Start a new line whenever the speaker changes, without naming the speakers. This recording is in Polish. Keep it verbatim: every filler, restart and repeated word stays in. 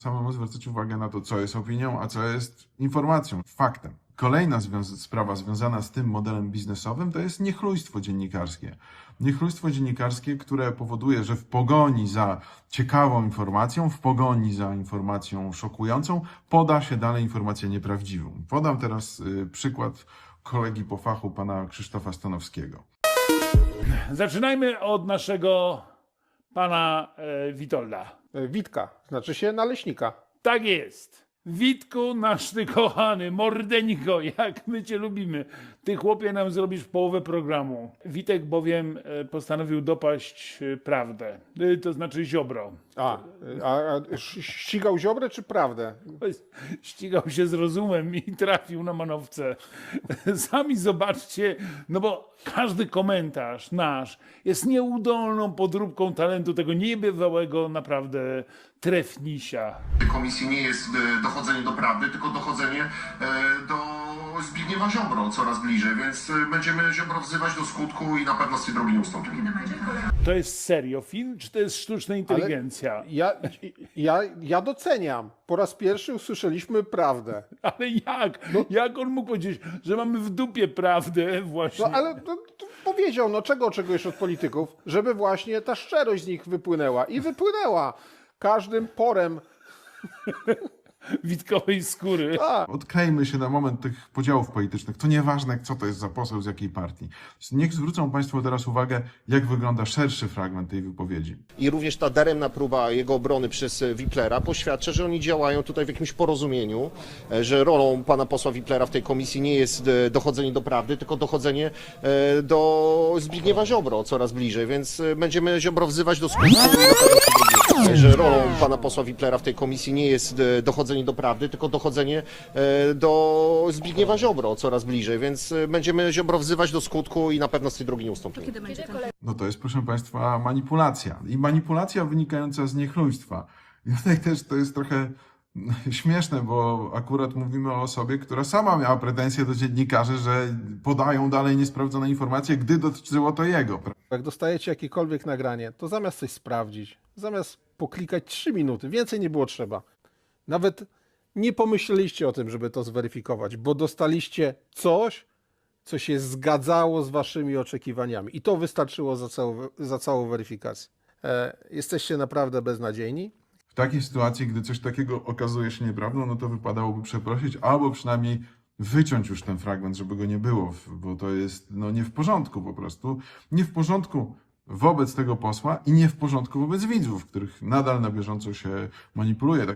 Samemu zwracać uwagę na to, co jest opinią, a co jest informacją, faktem. Kolejna związ- sprawa związana z tym modelem biznesowym to jest niechlujstwo dziennikarskie. Niechlujstwo dziennikarskie, które powoduje, że w pogoni za ciekawą informacją, w pogoni za informacją szokującą, poda się dalej informację nieprawdziwą. Podam teraz y, przykład kolegi po fachu, pana Krzysztofa Stanowskiego.
Zaczynajmy od naszego pana e, Witolda.
Witka, znaczy się naleśnika.
Tak jest. Witku, nasz ty kochany, mordeńko, jak my cię lubimy. Ty, chłopie, nam zrobisz połowę programu. Witek bowiem e, postanowił dopaść e, prawdę, e, to znaczy Ziobro.
A, a, a ś- ścigał Ziobrę czy prawdę?
Ścigał się z rozumem i trafił na manowce. Sami zobaczcie, no bo każdy komentarz nasz jest nieudolną podróbką talentu tego niebywałego naprawdę trefnisia.
Komisji nie jest e, dochodzenie do prawdy, tylko dochodzenie e, do Zbigniewa Ziobro coraz bliżej, więc e, będziemy Ziobro wzywać do skutku i na pewno z tej drogi nie ustąpimy.
To jest serio film, czy to jest sztuczna inteligencja?
Ja, ja, ja doceniam. Po raz pierwszy usłyszeliśmy prawdę.
Ale jak? Jak on mógł powiedzieć, że mamy w dupie prawdę właśnie?
No ale to, to powiedział, no czego oczekujesz od polityków? Żeby właśnie ta szczerość z nich wypłynęła. I wypłynęła. Każdym porem.
Witkowej skóry.
Odklejmy się na moment tych podziałów politycznych. To nieważne, co to jest za poseł, z jakiej partii. Niech zwrócą Państwo teraz uwagę, jak wygląda szerszy fragment tej wypowiedzi.
I również ta daremna próba jego obrony przez Wiplera poświadcza, że oni działają tutaj w jakimś porozumieniu, e, że rolą pana posła Wiplera w tej komisji nie jest e, dochodzenie do prawdy, tylko dochodzenie e, do Zbigniewa Ziobro coraz bliżej, więc e, będziemy Ziobro wzywać do skutku i na pewno się że rolą pana posła Wiplera w tej komisji nie jest e, dochodzenie do prawdy, tylko dochodzenie e, do Zbigniewa Ziobro coraz bliżej, więc e, będziemy Ziobro wzywać do skutku i na pewno z tej drogi nie ustąpimy.
No to jest, proszę Państwa, manipulacja. I manipulacja wynikająca z niechlujstwa. I tutaj też to jest trochę śmieszne, bo akurat mówimy o osobie, która sama miała pretensje do dziennikarzy, że podają dalej niesprawdzone informacje, gdy dotyczyło to jego.
Jak dostajecie jakiekolwiek nagranie, to zamiast coś sprawdzić, zamiast poklikać trzy minuty, więcej nie było trzeba. Nawet nie pomyśleliście o tym, żeby to zweryfikować, bo dostaliście coś, co się zgadzało z waszymi oczekiwaniami. I to wystarczyło za całą, za całą weryfikację. E, jesteście naprawdę beznadziejni.
W takiej sytuacji, gdy coś takiego okazuje się nieprawdą, no to wypadałoby przeprosić, albo przynajmniej wyciąć już ten fragment, żeby go nie było, bo to jest no, nie w porządku po prostu. Nie w porządku wobec tego posła i nie w porządku wobec widzów, których nadal na bieżąco się manipuluje.